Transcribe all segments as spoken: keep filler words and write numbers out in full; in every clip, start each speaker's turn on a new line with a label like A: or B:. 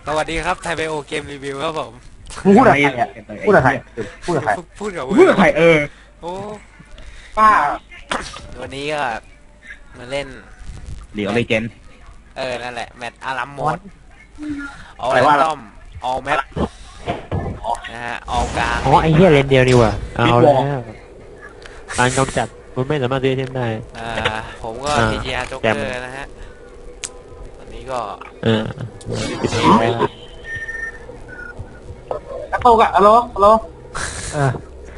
A: สวัสดีครับไทยไบโอเกมรีวิวครับผม
B: มึงพูดอะไรอ่ะพูดอะไรพูดอะไร
A: พูดกับ
C: พูดกับใครเออ
A: โอ้
B: ป้า
A: วันนี้ก็มาเล่น
C: เดี๋ยวเลเจน
A: เออนั่นแหละแมตช์อารัมโหมดเอา
B: อะไร
A: แร
B: วะ
A: นดอมเอาแมปนะฮะเอากลาง
D: อ๋อไอ้เหี้ยเลนเดียวนี่ว่ะเอาแล้วการกำจัดมันไม่สามารถเรียกเช่นได้
A: อ่าผมก็
D: อ่า
A: ทีจีอาร์จ็อก
D: แจ
A: เก
D: ม
A: อร์นะฮะวันนี้ก็
D: เออ
B: โตกะฮัลโหลฮัลโหล
D: เออ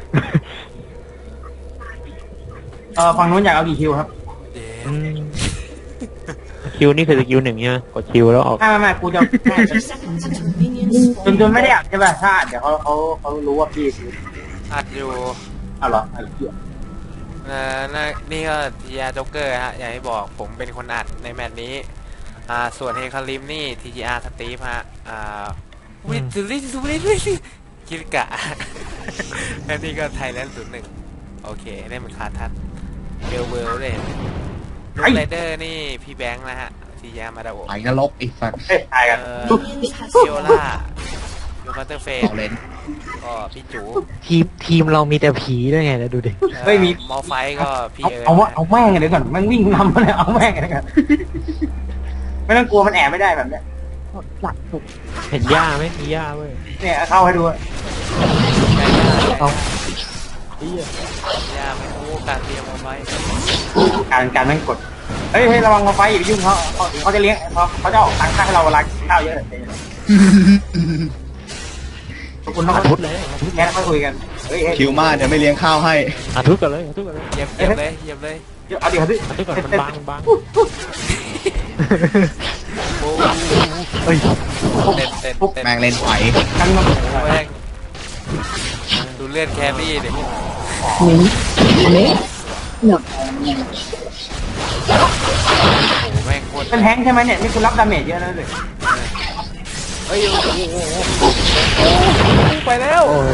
B: เออฝั่งนู้นอยากเอากี่คิวครับ
A: เดี๋ยว
D: อืมคิวนี่คือสกิลหนึ่งใช่ไหมกดคิวแล้วออก
B: ไม่ไม่ไม่กูจะจนจนไม่ได้อัดใช่ป่ะถ้าอัดเดี๋ยวเขาเขาเขารู้ว่าพี่
A: อัดอยู่
B: เอาเหรอไอ้เหี้ย
A: นะนะนี่ก็ทีจีอาร์จ็อกเกอร์ฮะอย่างที่บอกผมเป็นคนอัดในแมตช์นี้อ่าส่วนเฮคาริมนี่ ที จี อาร์ สตีฟฮะอ่าวิทูลิทูลิทูลิคิดกะ และนี่ก็ไทยแลนด์ศูนย์หนึ่งโอเคได้เหมือนคาทัดเบลเวลเลยลูกไรเดอร์นี่พี่แบงค์นะฮะทียามาดาโอ
C: ไอ้นรกไอ้สัตว์
B: เฮ้ยตายกัน
A: เอ่อฟิโอล่ายูคัตเตอร์เฟส
C: ต่อเลน
A: ก็พี่จู
D: ทีมทีมเรามีแต่ผีด้วยไงแล้วดูดิ
A: เอ่อมอไฟก็พี่
B: เอา
A: เอิร์
B: เอาว่า
A: ธ
B: เอาแม่งเดี๋ยวก่อนแม่งวิ่งนำมาเลยเอาแม่งเดี๋ยวก่อนไม่ต้องกลัวมันแอบไม่ได้แบบเนี้ย
D: เห็นหญ้าไหมมีหญ้าเว้ย
B: เนี่ยเข้าให้ดู
D: เอา
A: ยาไม่รู้การเตรียมเอาไว้
B: การการแม่งกดเฮ้ยเฮ้ยระวังมาไฟอย่าไปยุ่งเขาเขาเขาจะเลี้ยงเขาเขาจะออกตังค่าให้เราเวลากินข้าวเยอะขอบคุณนะค
D: อา
B: รับ
D: ทุดเลยอาทุด
B: แค่นั้นค่อยคุยกันเฮ้ยเฮ้ย
C: คิวมาเดี๋ยวไม่เลี้ยงข้าวให้
D: อาทุดกันเลยอาทุดกันเลย
A: เหยียบเหยียบเลยเหยียบเลย
B: เดี๋ยวเอาดิเอาดิ
D: อาทุดก่อนมันบางมันบาง
A: โอ้
D: เฮ้ย
A: เต้นเต้นเต้น
C: แมงเลนไฟ
B: กันมา
A: โอ้แม่งดูเลือดแครี่ดิโอ้แม่งโคตร
B: เป็นแฮงค์ใช่ไหมเนี่ยนี่คุณรับดาเมจเยอะแล้วเลย
A: เฮ้ยโอ้โหไปแล้ว
D: โอ้ย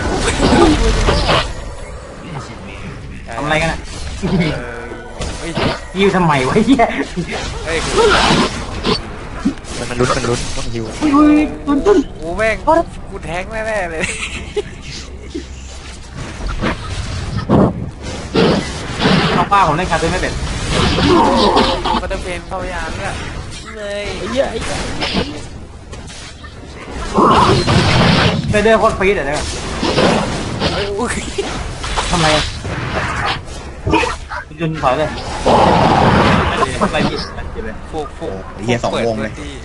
B: ทำอะไรกันอ่ะ
A: เฮ้ย
B: ยิวทำไมวะเฮีย
A: เฮ้ย
D: มันมันลุ้นมันลุ้นต้องฮิว
B: อุ้ยอุ้ยตุนตุน
A: กูแม่งกูแทงแน่ๆเลย
B: เอาป้าผมเล่นคาร์ตูนไม่เป็น
A: ก็จะเป็นพยายามเนี่ยเลย
D: เหี้ยไอ้เหี้ย
B: เดอเดอร์โคตรฟีดอ่ะเนี่ย
A: เฮ้ยอุ้ย
B: ทำไมอ่ะจุนถอยเลยอะไรพี่เลย
A: พวกพวก
C: เฮียสองวงเลย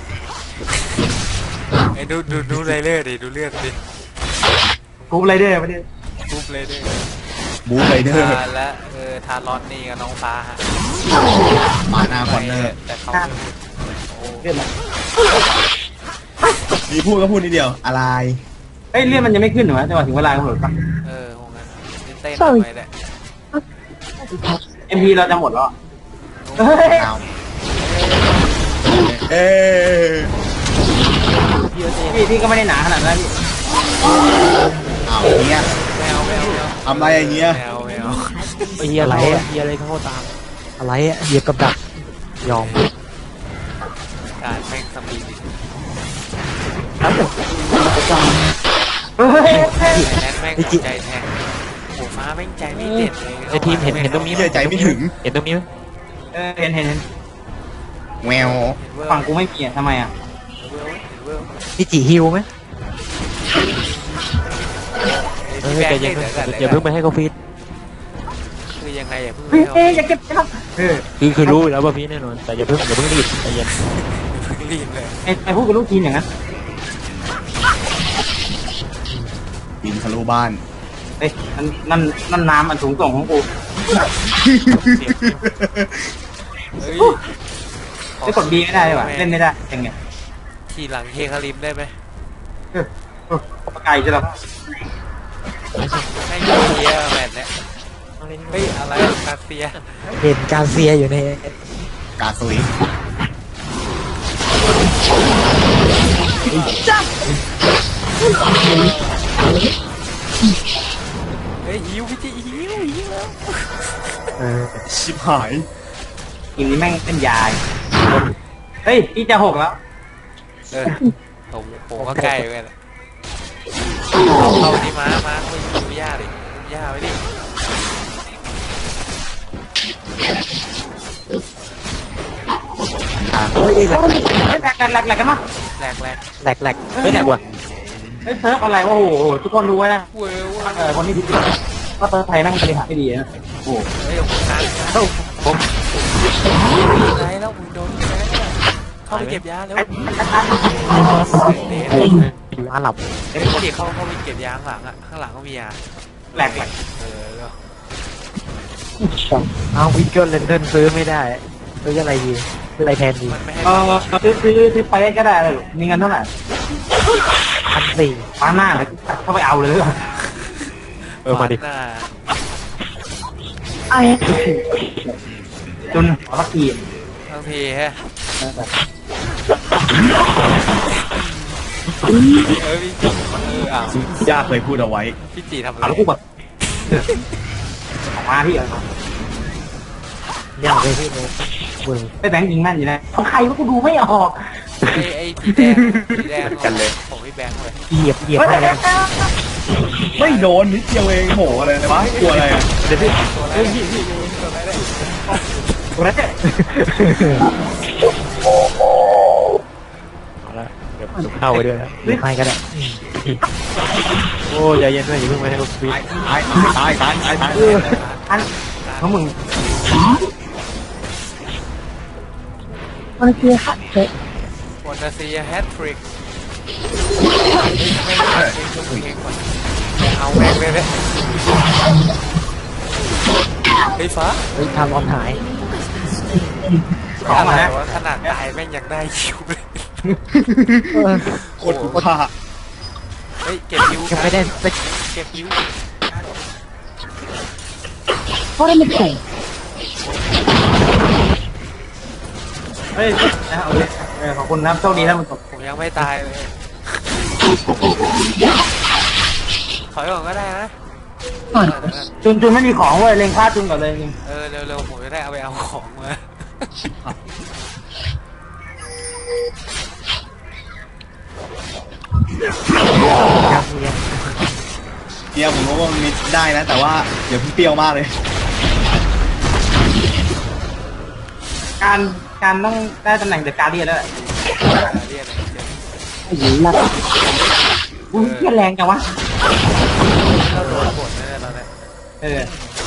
A: ไอ้ดูดูดูไรเลือดดิดูเลือดดิ
B: กูไรเดอร์ไม่ได้
A: ปุ๊บเลยดิ
C: บูไรเดอร์
A: ทาและเออทารอนนี่กับน้องฟ้าฮะ
C: มาหน้าคอนเนอร์
A: แต่เขาโอ้
B: เลื่อนมา
C: มีพูดก็พูดนิดเดียว อะไร
B: เฮ้ยเลื่อนมันยังไม่ขึ้นเหรอจังหวะถึงเวลากำหนดปะ
A: เออคงงั้นเต้นๆไปแหละ
B: เอ็มพีเราจะหมดแล้วเฮ้ย
C: เอาเอ๊ะ
B: พี่พี่ก็ไม่ได้หนาขนาดนั้นพี่
C: เอาเงี้ย
A: แมวแมวแมว
C: ทำอะไรอย่างเงี้ย
A: แมวแมว
D: ไอ้เหี้ยอะไรอะเหี้ยอะไรเข้าตามอะไรอะเหยียบกับดักยอม
A: การแม่งสปีด
B: เฮ้ย
A: แม่งแม่งหัวใจแทงโอ้ฟ้าแม่งใจไม่เด็ดเลย
D: ไอ้ทีมเห็นเห็นตรงนี้ไหม
C: เชื่อใจไม่ถึง
D: เห็นตรงนี้ไหม
B: เออเห็นเห็นเห็น
C: แวว
B: ฝั่งกูไม่มีอ่ะทำไมอ่ะ
D: พี่จีฮิวไหมเอ
A: พี่
D: อ
A: แบง
D: แต่
A: ค์
D: อย่า
A: เนี่ย
D: เพิ่ง
A: เดี๋ยว
D: อย่าเพิ่งไปให้เขาฟีด
A: คือยังไงอย่าเพิ่ง
B: เฮ้ยเฮ้ยอย่าเก็บนะครับเออ
D: คือคือรู้อยู่แล้วว่าพี่แน่นอนแต่อย่าเพิ่งอย่าเพิ่งรีบใจเย็น
A: รีบเลย
B: ไอ้ไอ้พูดกับลูกทีมอย่างนั้น
C: บินทะลุบ้าน
B: เฮ้ยนั่นนั่นนั่นน้ำมันสูงส่งของกู
A: เฮ้ย
B: ไม่กดบีไม่ได้เลยว่ะเล่นไม่ได้ยังไง
A: ทีหลังเฮคาริมได้ไหม
B: เออเออปไกลจะหรอ
A: แม่งเซียแมตช์เนี่ยเฮ้ยอะไรคาเซีย
D: เห็นการเซียอยู่ใน
C: กาซุย
A: เฮ้ยหิวพี่จีหิวหิวแล้ว
D: เออ
C: ชิบหาย
B: ทีมนี้แม่งเป็นยายเฮ้ยพี่จะหกแล้ว
A: เออผมผมก็ใกล้ไปแล้วเอาเข้าที่ม้าม้าเข้าไปดูหญ้าดิดูหญ้าไว้ดิ
D: เฮ้ยแหลก
B: เฮ้ยแหลกแหลกแหลกแหลกกันมั้ย
A: แหลกแหลก
D: แหลกแหลกไม่แหลกว่ะ
B: เฮ้ยเซิร์ฟอะไรวะโอ้โหทุกคนรู้ไว้นะ
A: เว้ยเว้ย
B: เออคนที่ผิดก็เซิร์ฟไทยนั่งบริหารไม่ดีนะโอ้
A: เฮ้ยผมทัน
D: เอ้าผม
A: ไรแล้วมึงโดนแพ้เข้าไปเก็บยาแล้ว
B: ไอ้
A: เด็ด
D: โอ้ยอยู่อาหลับ
A: เด็ดเข้าเข้าไปเก็บยาข้างหลังอ่ะข้างหลังก็มียา
B: แหลกแหลก
A: เออแล้ว
D: เอาวิกเกิลเลนเดนซื้อไม่ได้ซื้ออะไรดีซื้ออะไรแทนดี
A: มันไม่ให้
B: เออซื้อซื้อซื้อไปก็ได้เลยมีเงินเท่าไหร่
D: พันสี่
B: ฟ้าหน้าเลยเข้าไปเอาเลย
D: เออมาดิ
A: หน้า
B: ไอ้จนขอสักที
A: บางทีฮะเออพี่จีเอออ้าว
C: ย่าเคยพูดเอาไว้
A: พี่จีทำอะไร
B: เอาแล้วกูแบบออกมาพี่เออ
D: อยากไปที่โน้มึง
B: ไอ้แบงค์ยิงแม่นอยู่นะใครวะกูดูไม่ออก
A: ไอ้ไอ้สีแดงสีแดง
C: กันเลย
A: ผมพี่แบงค์เลย
D: เหยียบเหยียบให้แล้ว
C: ไม่โดนนิดเดียวเองโหอะไรนะวะกลัวอะไรอ่ะ
D: เดี๋ยวพี่
A: ตัวอะไรพี่พี่ตัวอะไรได้
B: กูนั่นเนี่ย
D: เอาละเดี๋ยวผมเข้าไปด้วยนะหรือไม่ก็ได้โอ้ใจเย็นด้วยอย่าเพิ่งไปให้ลูกฟิต
C: ตายตายตายตายตาย
B: อันของมึง
A: วันเซียแฮตทริกไม่ไม่ไม่เอาแม่งเลยเลยไอ้ฟ้า
D: เฮ้ยทำออมหาย
B: ของ
A: อะไร
B: มาแล้ว
A: วะขนาดตายแม่งยังได้คิวเลย
C: โคตรคุ้มค่า
A: เฮ้ยเก็บคิว
D: ยังไม่ได้ไป
A: เก็บคิว
B: เฮ้ยนะเอาเลยเออขอบคุณนะโชคดีนะมึง
A: ผมยังไม่ตายเลยถอยก่อนก็ได้นะ
B: จุนจุนไม่มีของเว้ยเล็งพลาดจุนก่อนเลยจริง
A: เออเร็วๆผมจะได้เอาไปเอาของมา
D: ยังยัง
C: เนี่ยผมรู้ว่ามันมิดได้นะ แต่ว่าเดี๋ยวเพิ่งเปรี้ยวมากเลย
B: การการต้องได้ตำแหน่งเดอะการ์เดียนแล้วแหละ
A: เรียนอะไรเรียน
B: อุ้ยเพี้ยแรงจังวะ
A: เราโดนกดแน่ๆตอนนี้
B: เออ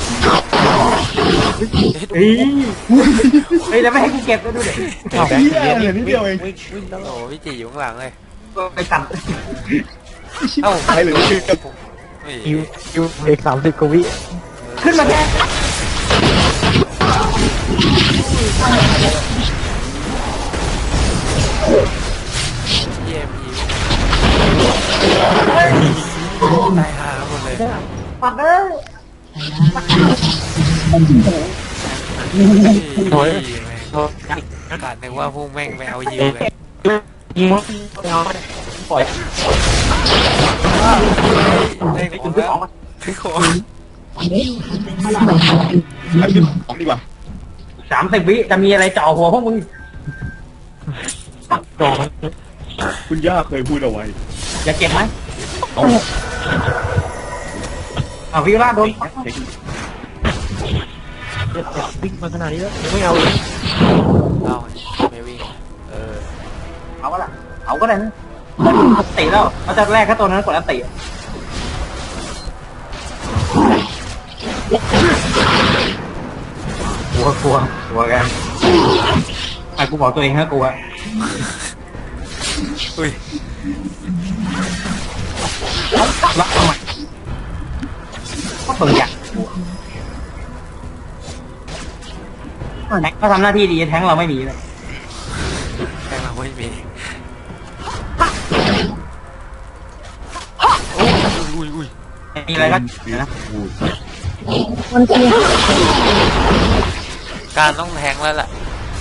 A: เฮ้ย
B: เฮ้ยเฮ้ยแล้วไม่ให้กูเก็บด้วยดูเด็ก
C: เหี้ยเหลือนิดเดียวเอง
A: วิ่งวิ่งโอ้พี่จีอยู่ข้างหลังเลย
B: ไปตัด
A: เอ้า
C: ตายเหลือนิดเดียว
A: เฮ้ย
D: คิวคิวเอกสามสิบกว่าวิ
B: ขึ้นมาแค่
A: เยี่ยมอีตายหาหมดเลย
B: ปัดเลย
A: โอ้ย
D: โอ้
A: ขาดนึกว่าพวกแม่งไปเอายิวเลย
D: ยิงเอาปล่อย
A: ได้ของแล้วได้ของ
C: ไอ้พี่ของดีกว่า
B: สามสิบวิจะมีอะไรจ่อหัวพวกมึง
D: จอ
C: คุณย่าเคยพูดเอาไว้
B: อย่าเก็บไหม
C: เอา
B: อ่าวิล่าโดน
C: เทคนิค
D: เจ็บวิ่งมาขนาดนี้แล้วไม่เอาเลย
A: เอาไม่วิ่งเออ
B: เอาก็ละเอาก็ได้นะติแล้วเขาจะแรกแค่ตัวนั้นกดอันติกลัวกลัวกลัวกันไอ้กูบอกตัวเองฮะกลัว
A: อุ้ย
B: รักทำไมก็เปิดอย่างแท็กก็ทำหน้าที่ดีแท้งเราไม่มีเลย
A: แม่งเราไม่มีอุ้ยอุ้ย
B: มีอะไรก็เดี๋ยวนะ
A: การต้องแทงแล้วล่ะ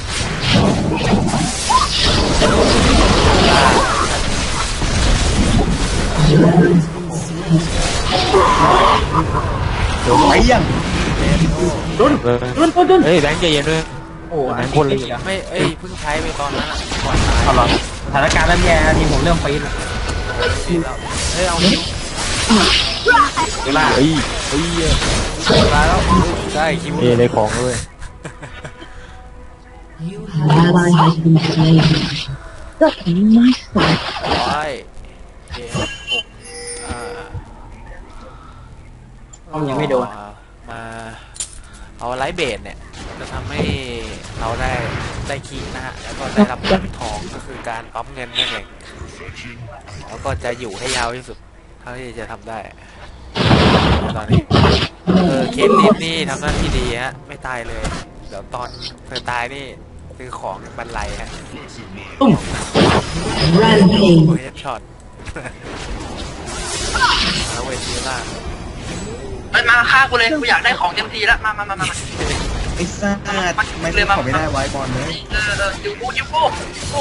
C: ไปยัง
B: ดุน
D: เออ
B: ดุนดุนดุน
D: เฮ้ยแบงค์ใจเย็นด้วย
B: โอ้
D: แบงค์คนเลย
A: ไม่เอ้ยเพิ่งใช้ไปตอนนั้นอ่ะก่อนตาย
B: เอาหรอ
A: เ
B: สถานการณ์เริ่มแย่แล้วทีมผมเริ่มปีนแล้ว
A: ดีแล้วเฮ้ยเอาคิว
B: เดี๋ยวล่า
D: เฮ้ยเฮ้ย
A: มาแล้วได้คิว
D: เอเลยของเลย
E: An ally has been slain. Ducking my sword.
A: ร้อยเจ็ดหกอ่า
B: ป้อมยังไม่โดน
A: มาเอาไลท์เบสเนี่ยจะทำให้เราได้ได้คีย์นะฮะแล้วก็ได้รับเงินทองก็คือการปั๊มเงินนั่นเองแล้วก็จะอยู่ให้ยาวที่สุดเท่าที่จะทำได้ตอนนี้เออเคสลิฟนี่ทำหน้าที่ดีฮะไม่ตายเลยเดี๋ยวตอนเธอตายนี่ซื้อของบรรลัยฮะ
B: ตุ้ม
E: Rampage.
A: โอ้ยช็อตแล้วเวทีล่าง
F: เอ้ยมาฆ่ากูเลยกูอยากได้ของเต็มทีแล้วมามามามามา
C: ไอ้ซ่าไม่ได้ขอไม่ได้ไว้บอลเลย
F: เออเออยูกูยูกูยูกู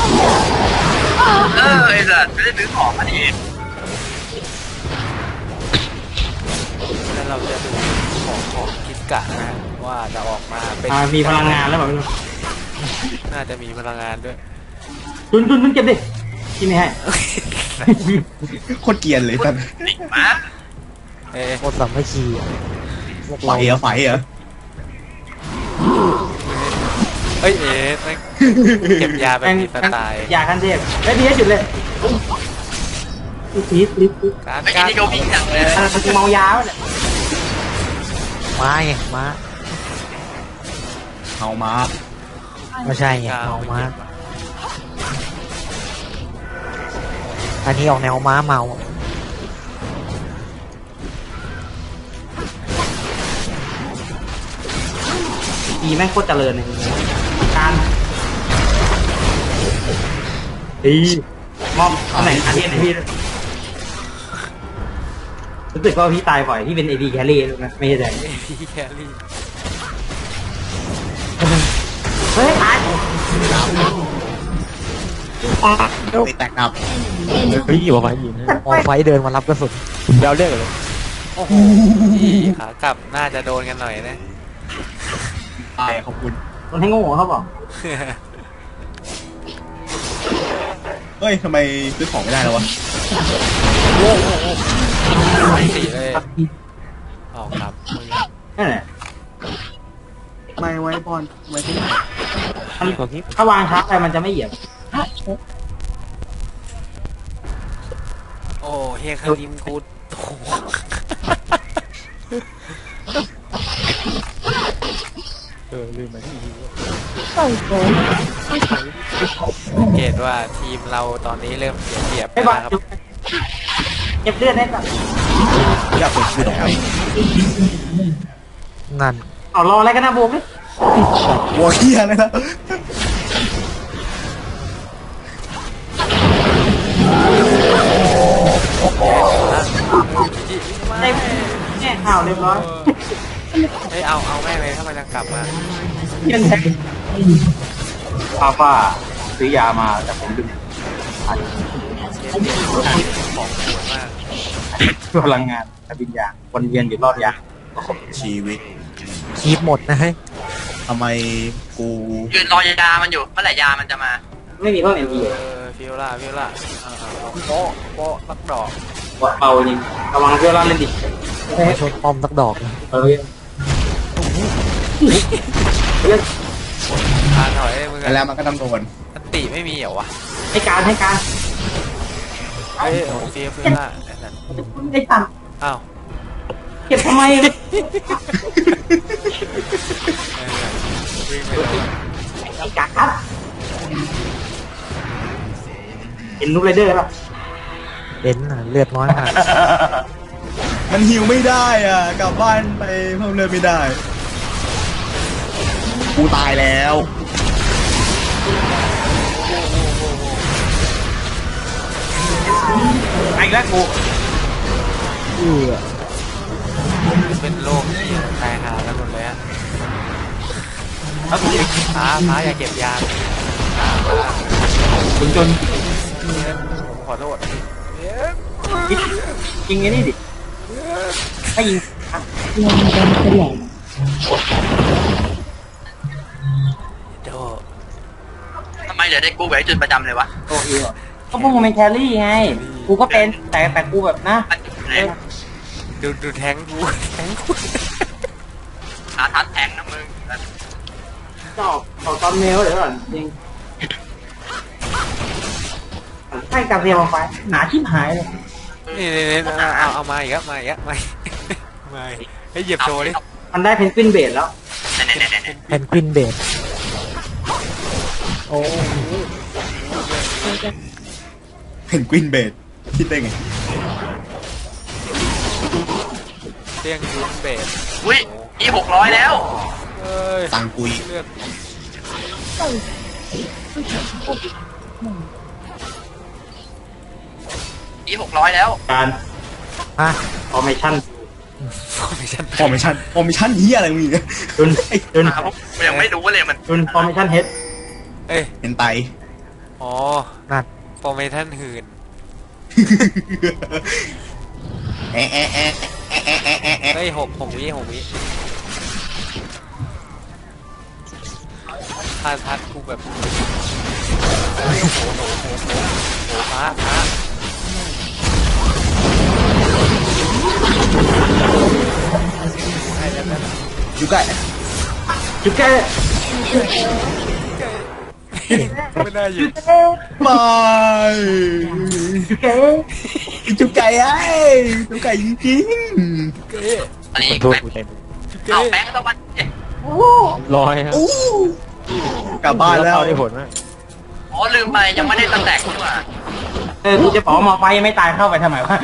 F: เออไอ้สัสไม่ได้ซื้อของมาดิ
A: แล้วเราจะดูของของคิดกะนะว่าจะออกมาเป็น
B: อ่ามีพลังงานแล้วแบบ
A: น่าจะมีพลังงานด้วย
B: จุนจุนจุนเก็บดิกินไม่ให้
C: โคตรเกรียนเลยท่าน
F: ติมา
A: เอ๊ะ
D: โคตรสามัคคีอะพวก
C: ไฟ
D: เรา
C: เหรอไฟเหรอ
A: เอ้ยเอ๊ะแม่งเก็บยาแบบมีสไตล์
B: ยาคันเทพไอ้ยพีเอสหยุดเลยพีเอสพีเอส
A: การ
F: ไอ้
A: การ
F: นี่เขาวิ่งจังเลย
B: มันเมายาเนี่ย
D: ม้าไงม้า
C: เฮามา
D: ไม่ใช่ไงเมาม้าอันนี้ออกแนวม้าเมา
B: ดีแม่งโคตรเจริญเลยการดีมอบตำแหน่งอาเทียนให้พี่ด้วยรู้สึกว่าพี่ตายบ่อยพี่เป็นเอดีแครี่นะไม่ใช่แดง
A: พี่แครี่
B: เฮ้ยตาย
C: ไปแตกอับ
D: เฮ้ยอยู่กับไฟยินมองไฟเดินมารับกระสุนเดาเลือกเลย
A: โอ้โหพี่ขากลับน่าจะโดนกันหน่อยนะ
C: ตายขอบคุณ
B: คนให้โง่เขาบอก
C: เฮ้ยทำไมซื้อของไม่ได้แล้ววะ
A: สี่เลยออกครับมือ
B: นั่นแหละ
C: ไม่ไว้บอลไว้ที่ไหน
B: ถ้าวางทับไปมันจะไม่เหยียบ
A: โอ้เฮคาริมกูโถเออลืมมาที่สังเกตว่าทีมเราตอนนี้เริ่มเสียเปรียบ
B: ไม่
A: แล้ว
B: บอล
A: นะครับ
B: เก็บเลือดให้ก่อน
C: อยากเปิดคือแล้ว
D: นั่น
B: เอารออะไรกันนะบูมนี่
C: วัวเฮียเลยนะ
B: ไอ้แง่ข่าวเรียบร้อย
A: เฮ้ยเอาเอาแม่งเลยถ้ามันจะกลับมา
B: เพี้ยนแท็กป้าป้าซื้อยามาแต่ผมดึง
A: ของปวดมาก
B: พลังงานแต่วิญญาณวนเวียนอยู่รอบยา
C: ชีวิต
D: คีบหมดนะเฮ้ย
C: ทำไมกู
F: ยืนรอยามันอยู่เมื่อไหร่ยามันจะมา
B: ไม่มีเพิ่มเอ็มพี
A: เออฟิวล่าฟิวล่าโป๊ะโป๊ะลักดอก
B: เบาจริงระวังเพื่อนล่าเล่นดิ
D: มาชนป้อมสักดอกนะ
B: เออเพื่อน
A: ทานถอยเลยมึง
C: แล้วมันก็ต้องโดน
A: อันติไม่มีเหรอวะ
B: ให้การให้การ
A: เฮ้ยโอ้ฟิวฟิวล่าไอ้นั่น
B: ได้ตัง
A: อ้าว
B: เก็บทำไม
A: เออวิ่งไปเลย
B: ไอ้กาครับเห็นลูกไรเดอร์ป่ะ
D: เด่นน่ะเลือดน้อยมาก
C: มันหิวไม่ได้อ่ะกลับบ้านไปเพิ่มเลือดไม่ได้ กูตายแล้ว
B: ไอ้แล้วกู
D: เออ
A: เป็นโรคที่ตายหากันหมดเลยฮะ
B: แล้วกู
A: ฟ้าฟ้าอย่าเก็บยาฟ้าฟ้า
B: จนจน
A: ผมขอโทษ
B: ยิงไอ้นี่ดิให้ยิง
E: One them select.
A: โด
F: ทำไมเหลือได้กูกับไอ้จุนประจำเลยวะ
B: โอ้ยก็พวกมึงเป็นแครี่ไง กูก็เป็นแต่แต่กูแบบนะ
F: มันจุดไหน
A: ดูดูแทงกูแทงกู
F: หาทัดแทงนะมึง
B: ตอบตอบตอนเมลเดี๋ยวก่อนจริงให้กาเซียมาไฟหนาชิบหายเลย
A: นี่นี่นี่เอาเอาเอามาอีกแล้วมาอีกแล้วมาอีกมาอีกให้เหยียบโชว์ดิ
B: มันได้เพนกวินเบดแล้ว
D: แพนกวินเบดโอ้
C: เพนกวินเบดคิดได้ไง
A: เตียงยูนเบส
F: อุ้ยอีหกร้อยแล้ว
A: เอ้ย
C: ตังกุย
A: เลือด
F: อีหกร้อยแล้ว
B: การ
D: ฮะ
B: ฟอร์เมชั่น
A: ฟอร์เมชั่น
C: ฟอร์เมชั่นฟอร์เมชั่นเฮียอะไรมึงเนี่ย
B: จุนจุน
F: ครับผมยังไม่รู้เลยมัน
B: จุนฟอร์เมชั่นเฮด
A: เอ้ย
C: เป็นไต
A: อ๋อ
D: นั่น
A: ฟอร์เมชั่นหื่น
C: แอะแอะแอะแอะแอะแอะแอะ
A: เฮ้ยหกหกวิหกวิพาทัดกูแบบโอ้โหโอ้โหโอ้โหโอ้โหพระพระ
C: อยู่ใกล้
B: จุดแก่
A: ไม่ได้อยู่
C: บาย
B: จุดแก่
C: จุกไก่ไอ้จุกไก่จริง
A: เก้
F: อันนี้
D: ตัว
F: แบง
D: กูเต็ม
A: เก้
F: เอาแบงค์ต้องมาเอ๊ะ
D: ร้อยครับ
C: ๆอู้กลับบ้านแล้ว
D: เข้ได้ผลไหม
F: อ๋อลืมไปยังไม่ได้ตั้งแต่กูอ่ะ
B: เออกูจะบอกว่ามอไฟยังไม่ตายเข้าไปทำไมวะ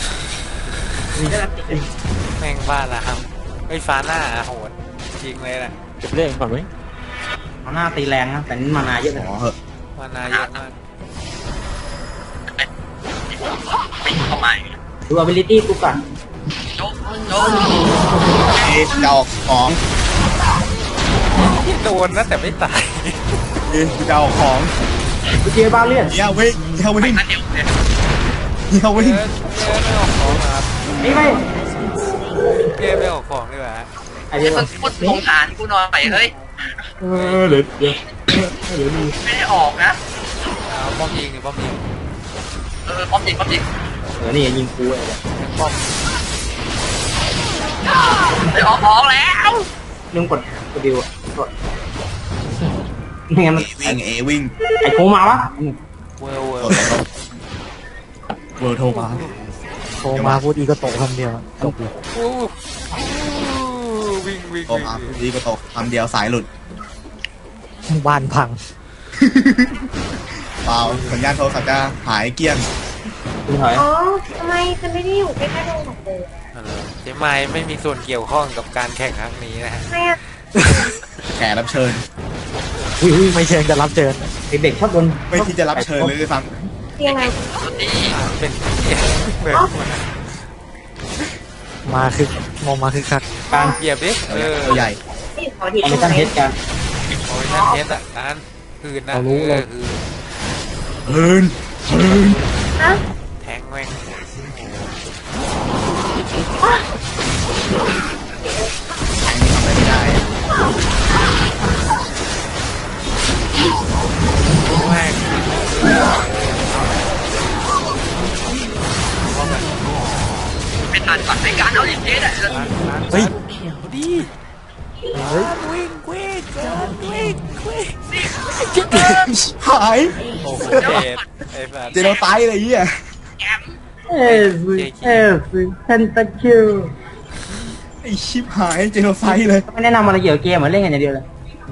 A: แม่งบ้าละครับไอ้ยฟ้าหน้าโหดจริงเลยแหละ
D: เก็บเรื่องก่อนไหม
B: เอาหน้าตีแรงนะแต่นี่มานาเยอะเลย
C: อ๋อเหอะ
A: มานาเยอะมาก
F: ปิดเข้ามาอีก
B: ดู ability กูก่อน
F: โจ๊กโจ๊ก
C: เอ๊ะจะออกของ
A: โดนนะแต่ไม่ตาย
C: เอ๊ะจะออกของ
B: กูเจอบ้าเลื่อน
C: เฮียวิ่งเฮีย
F: ไป
C: วิ่ง
F: อันเดียวเลย
C: เฮีย
A: เก
C: วิ่ง
A: มไม่ออกของนะครับ
B: นี่ไม่
A: เกมไม่ออกของดีกว่า
B: ไอ้เดี๋ยว
F: มึงพูดสงสารกูหน่อยเฮ้ย
B: เออเดี๋ยวเดี๋ยวเดี๋ยวมี
F: ไม่ได้ออกนะ
A: เอาป้อมยิงหรือป้อมยิง
F: เออป้อมจริงป้อมจริง
B: เดี๋ยวนี่ยิงกูไอ้เดี๋ยว
A: ป้อม
F: ไปออกออกแล้ว
B: ลืมกดกดดิวอะกดไม่งั้นมัน
C: เอวิ่งเอวิ่ง
B: ไอ้โคมาวะ
A: เวอร์เวอ
C: เอ
A: ร์
C: อเวิร์โทรมา
D: โทรมาพูดอีก็ตกคำเดียวตกอยู่
A: อู้วิ่งวิ่ง
C: โทร
A: วิ่ง
C: มาดีก็ตกคำเดียวสายหลุด
D: บ้านพัง
C: เปล่าสัญญาณโทรศัพท์จะหายเกลี้ยง
B: คุณถอย
G: อ๋อ ทำไมฉันไม่ได้อยู่ใกล้ๆโรงหนังเลย
A: เจ๊ไม้ไม่มีส่วนเกี่ยวข้องกับการแข่งครั้งนี้นะฮะ
G: ทำไมอ่ะ
C: แขกรับเชิญ
D: อุ้ยไม่เชิงจะรับเชิญ
B: เด็กๆชอบโดน
C: ไม่ที่จะรับเชิญเลยด้วยซ้
G: เรียงไง
F: สุดที่
A: เป็นเปิดหัวนะ
D: มาคือมองมาคือคัก
B: การ
A: เหยียบดิ
C: ำ
A: เออ
C: ตัวใหญ่
G: ที่ขอดี
B: คอมมิชชั่นเฮดกัน
A: โอ้ยนั่นเทสอ่ะการคืนนะเออคือ
C: เอินเอิน
G: ฮะ
A: แทงแม่ง
C: ทำอะไรไม่ได้
A: แม่ง
F: เป็นทันก่อนในการเอาอย่างนี้แหละ
C: เฮ้ย
A: ดี
D: เฮ้ย
A: วิ่งวิ่งกันวิ่งวิ่ง
C: หาย
A: โอ้โหเจ็บไอ้สัส
C: เจโนไตอะไรเงี้ย
F: แอม
B: เอฟเอฟเพนตาคิว
C: ไอชิบหายเจโนไซเลย
B: ไม่แนะนำอะไรเกี่ยวกับเกมเหมือนเล่นกันอย่างเดียวเลย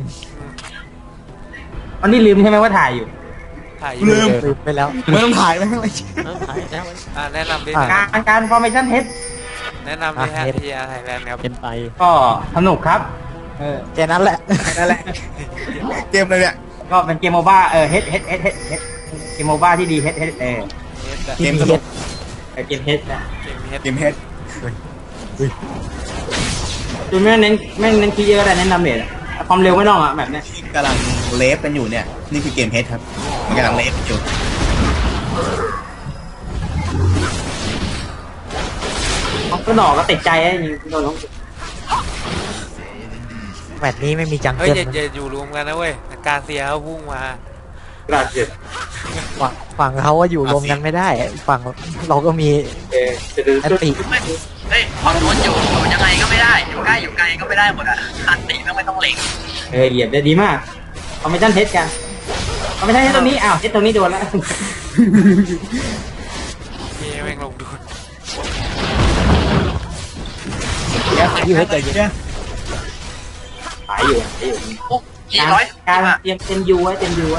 B: วันนี้ลืมใช่ไหมว่าถ่ายอยู่
A: ถ่ายอยู่
C: ลืม
D: ลืมไปแล้ว
C: ไม่ต้องถ่ายไม่ต้องอะไร
A: อ่าแนะนำดิ
D: อ่ะ
B: การการฟอร์เมชั่นเฮด
A: แนะนำดิฮะทีอาร์ไทยแลนด์ครับ
D: เป็นไป
B: ก็สนุกครับ เออ
D: แค่นั้นแหละ
B: นั่นแหละ
C: เกมเลยเนี่ย
B: ก็เป็นเกมโมบ้าเออเฮดเฮดเฮดเฮดเฮดเกมโมบ้าที่ดีเฮดเฮดเออ
A: เฮดอะ
C: เกมสนุก
B: เออเกมเฮดนะ
A: เกมเฮด
C: เกมเฮด
B: จุดไม่เน้นไม่เน้นคีย์เยอะแต่เน้นดาเมจอะความเร็วไม่ต้องอ่ะแบบเนี้ย
C: ที่กำลังเลฟกันอยู่เนี่ย นี่คือเกมเฮดครับ มันกำลังเลฟอยู่
B: ก็หนอกก็ติดใจไอ้ยิงโดนน้อง
D: แมตช์นี้ไม่มีจัง
A: เฮ้ย
D: เกิล
A: อย่าอย่าอยู่รวมกันนะเว้ยกาเซียเขาพุ่งมา
B: กระเจ็ด
D: ฝั่งฝั่งเขาว่าอยู่รวมกันไม่ได้ ฝั่งเราก็มี
B: เอจะดู
D: แอนติ
F: เฮ้ยเฮ้ยพอโดนอยู่อยู่ยังไงก็ไม่ได้อยู่ใกล้อยู่ไกลก็ไม่ได้หมดอ่ะอันตีต้องไม่ต้องเล็ง
B: เออเหยียบได้ดีมากคอมมิชชั่นเทสกันคอมมิชชั่นเทสตรงนี้อ้าวเทสตรงนี้โดนแล้ว
A: เย้แม่งลงดูด
C: เดี๋ยวเดี๋ยวใจเย็น
B: หายอยู่หายอยู่
F: โอ้สี่ร้อย
B: การเตรียมเต็มยูไว้เต็มยูไว้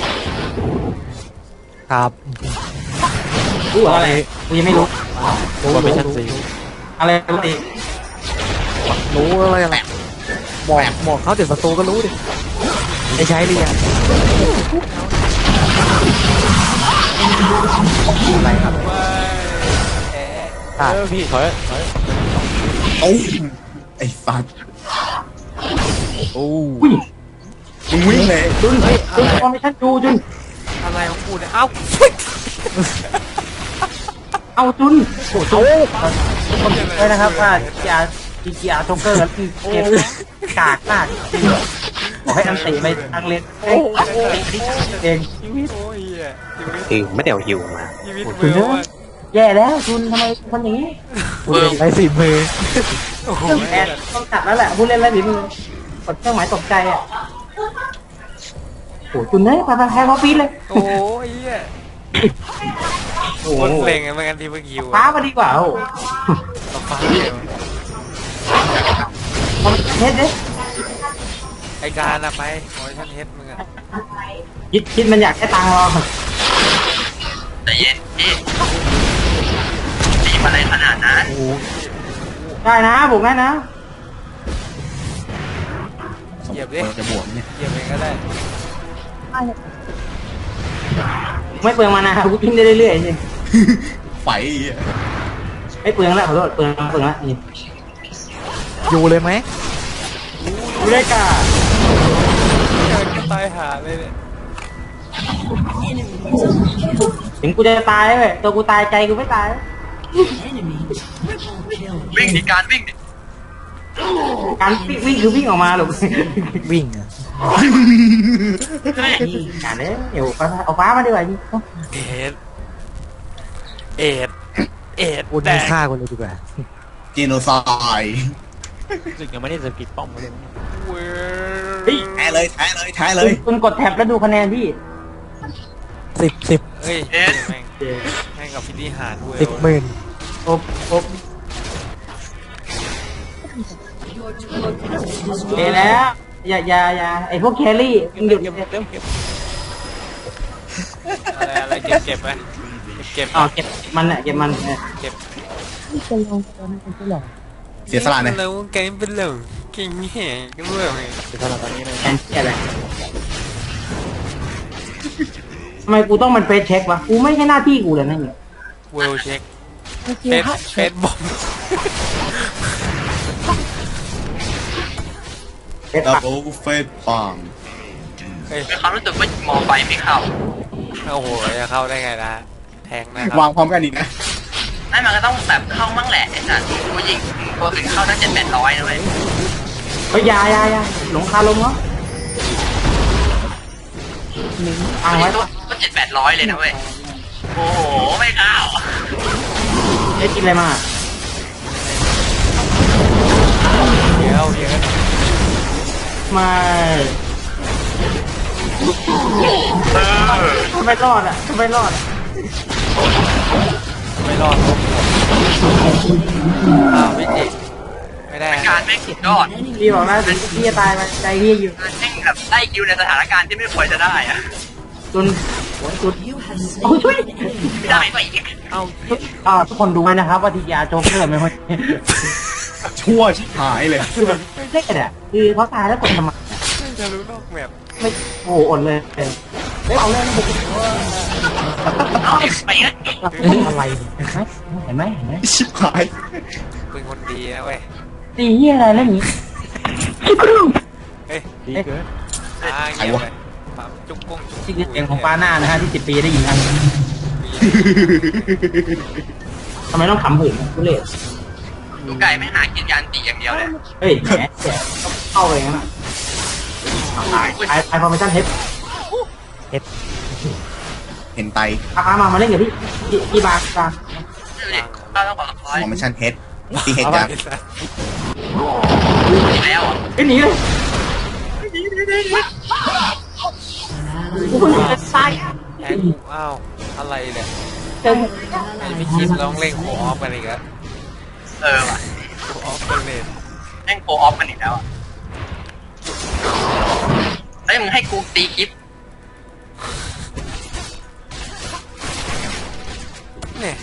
D: ครับ
B: รู้อะไรกูยังไม่รู้
D: รู้ว่าเป็นชั้นสี่
B: อะไรรู้ดิ
D: รู้อะไรอะไรบอกบอกเขาเดี๋ยวศัตรูก็รู้ดิได้ใช้หรือยังอะไรครับเออพี่ถอยถอย
C: โอ้ไอ้สัตว์
D: โอ้
B: อุ้ย
C: มึงวิ่งเลย
B: จุนจุนคอมมิชชั่นยูจุน
A: อะไรของกูเนี่ยเอ้า
B: เอาจุนโอ้โหเลยนะครับว่าจีอาร์จีอาร์โจ๊กเกอร์คือเกมกากมากบอกให้อันติไปทางเลนเองเอง
A: ชีวิตโอ้ยเหี้ยชีวิต
D: คือไม่ได้เอาหิวมา
A: ชีวิตเบื่อว่ะ
B: แย่แล้วจุนทำไมคนอย่างนี้
D: คุณเล่นไรสี่มือ
A: โอ้โห
B: เครื่องแอดต้องตัดแล้วแหละผู้เล่นไรหรือมือกดเครื่องหมายตกใจอ่ะโอ้จุนเนี่ยไปไปแพ้พอปีเลย
A: โอ้ยเหี้ย
B: โอ้
A: คนเพลงอะไม่กันที่เมื่อกี้
B: ฟ้า
A: อะ
B: มาดีกว่าโอ้
A: เอาฟ้าเดียว
B: คอมเทสเด้
A: ไอการอะไปขอให้ฉันเฮ็ดมึงอะ
B: ยิดคิดมันอยากได้ตังค์รอ
F: แต่เย็นพี่ตีมาอะไรขนาดนั้น
B: ได้นะบุกได้นะ
A: เหยียบดิ
C: จะบวกเนี่ย
A: เหยียบเองก็ได้
B: ไม่เปลืองมานะกูกินได้เรื่อยๆจริง
C: ไฟ
B: ไม่เปลืองแล้วขอโทษเปลืองเปลืองแล้วนี่
D: อยู่เลยไหม
B: ดูได้กะ
A: เกิดก็ตายหาเลยเนี่ย
B: ถึงกูจะตายเลยตัวกูตายใจกูไม่ตาย
F: วิ่งดิการวิ่งดิ
B: การวิ่งวิ่งคือวิ่งออกมาหรอก
D: วิ่งอะ
B: การเนี้ยเดี๋ยวเอาฟ้ามาดีกว่า
A: เอ็ดเอ็ดเอ็ด
D: คุณ
A: แด
D: ไม่
A: ง
D: ฆ่าคนเลยดีกว่า
C: จีโนไซด์
D: รู้สึกยังไม่ได้จะผิดป้อมเลย
A: เว้
B: เฮ้ย
A: ย
C: แท้เลยแท้เลยแท้เลย
B: คุณกดแท็บแล้วดูคะแนนที่
D: สิบสิบ
A: เฮ้ยแม่งแม่งกับพิธีหารเว้ย
D: สิบหมื่น
B: โอ๊บโอ๊บเฮ้แล้วอย่าอย่าอย่าไอพวกแครี่มึงหยุด
A: เก็บเก็บเก็บเก็บอะไรอะไรเก็บเก็บไปเก็บ
B: อ๋อเก็บมันอะเก็บมันเออ
A: เก็บ
C: เสียสละเนี่ย
A: แล้วเกมเป็นเหล่งเก่งแห่ก็เมื่อไง
D: เป็นเท่าไหร่ตอนนี้เลย
B: แอนเชี่ยอะไรทำไมกูต้องมันเฟซเช็ควะกูไม่ใช่หน้าที่กูเลยนะเนี่ย
A: เวลเช็คเฟสเฟสบอม
B: เฟซ
C: ดับ
B: ปะ
C: เบิลเฟสปัง
A: เฮ้ย
F: มีความรู้สึกว่ามองไปไม่เข้า
A: โอ้โหจะเข้าได้ไงนะแทงนะครับ
C: วางพร้อมกันอีกนะ
F: นั่นมันก็ต้องแบบเข้ามั่งแหละไอ้สัตว์กูยิงตัวถึงเข้าตั้งเจ็ดแปดร้อยนะเว้ย
B: เฮ้ยอยาอยาอยาหลงคาลมเหรออ่าง
F: ตัว
B: ไว้
F: นี้ก็เจ็ดแปดร้อยเลยนะเว้ยโอ้โหไม่เข้า
B: ได้กินอะไรมา
A: เดี๋ยวเดี๋ยว
B: ไม่ทำไมรอดอ่ะทำไมรอดอะ
A: ไม่รอดอ้าวไม่เจ็บไม่ได้
F: เป็นการแม่งสุดยอด
B: พี่บอกแล้วถึงพี่จะตายมาใจพี่อยู่
F: การแม่งแบบได้คิวในสถานการณ์ที่ไม่ควรจะได้อะ
B: จนหัวจุดโอ้ยช่วย
F: ไม่ได้ไปอีก
A: เอ้า
B: อ่าทุกคนดูไว้นะครับว่าทียาโจ๊กเกอร์ไม่ค่อย
C: ชั่วชิบหายเลย
B: คือแบบเล่นอ่ะคือเขาตายแล้วกดทำไมอะ
A: ไม่จะรู้นอกแมป
B: ไม่โอ้โหอดเลยเออเอาเลยบุก
F: เอาไปอีก
B: อะไรเห็นไหมเห็นไหม
C: ชิบหาย
A: เป็นคนดีนะเว้ย
B: ตีเหี้ยอะไรแล้วนี้
A: เฮ้ย
D: ดีเกิน
A: อ่าเงียบเลยปั๊มจุกกุ้งจุก
B: ที่คือเสียงของฟ้าหน้านะฮะที่สิบปีได้ยินกันทำไมต้องขำหื่นกูเลย
F: ดูไก่ไม่หากินยานตีอย่างเดียวเลย
B: เฮ้ยแหมแหมเข้าไปงั้นอ่ะตายตายตายพอไม่ทันเฮด
D: เฮ็ด
C: ห็นไต
B: อามามามาเล่นกับพี่พี่พี่บาร์บาร์
F: ดูดิเราต้องบอกร้อย
C: ของมันชันเฮดตีเฮด
A: เอา
C: จัง
A: ไปซะ
F: อีกแล้วอ่ะ
B: ไอ้ยหนีเลยกูเพิ่งจะตาย
A: แอนกูอ้าวอะไรเนี่ย
B: เจอ
A: ไอพี่คิดร้องเล่นโคออฟกันอีกแล้ว
F: เออว่ะ
A: โคออฟกันเลย
F: แม่งโปรออฟกันอีกแล้วอ่ะเฮ้ยมึงให้กูตีคลิป
A: เนี่ย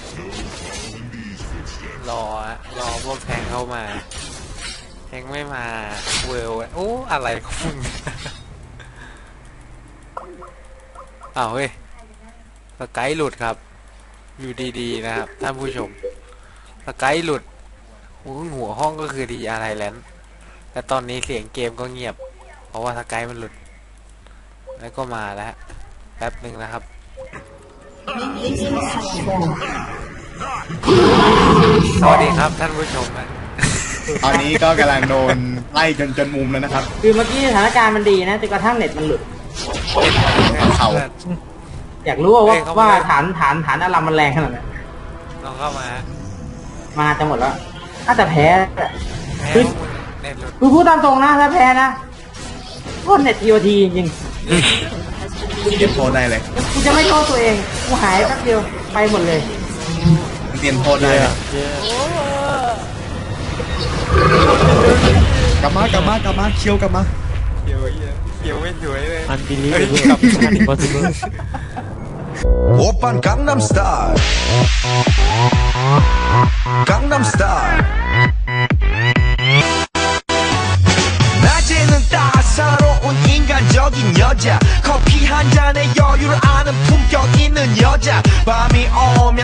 A: รออะรอพวกแทงเข้ามาแทงไม่มาเวลอะโอ้อะไรของมึงเนี่ยอ้าวเฮ้ยสกายหลุดครับ อยู่ดีๆนะครับท่านผู้ชมสกายหลุดโอ้หัวห้องก็คือดีอะไรแลนด์แต่ตอนนี้เสียงเกมก็เงียบ เพราะว่าสกายมันหลุด แล้วก็มาแล้วแป๊บหนึ่งนะครับ สวัสดีครับท่านผู้ชมอะ
C: ตอนนี้ก็กำลังโดนไล่จนจนมุมแล้วนะครับ
B: คือเมื่อกี้สถานการณ์มันดีนะจนกระทั่งเน็ตมันหลุด
C: เข่า
B: อยากรู้ว่าว่าว่าฐานฐานฐานอารามมันแรงขนาดไหน
A: ลองเข้ามาฮะ
B: มาจะหมดแล้วถ้าจะแพ้
A: แพ้
B: คือ
A: เน็ตหลุด
B: กูพูดตามตรงนะถ้าแพ้นะโคตรเน็ตทีโอทีจริง
C: เก็บโทษได้เลย
B: ๆกูจะไม่โทษตัวเองกูหายแป๊บเดียวไปหมดเลย
C: เตรียมโทษได้เลยกลับมากลับมากลับมาเคี้ยวกลับมา
A: เขียวเขียวไม่สวยเลย
D: อันบิลีฟเวอร์อันอิมพอสิเบิล
H: 오빤 강남스타일 강남스타일 낮에는 따사로운 인간적인 여자 커피 한 잔에 여유를 아는 품격 있는 여자 밤이 오면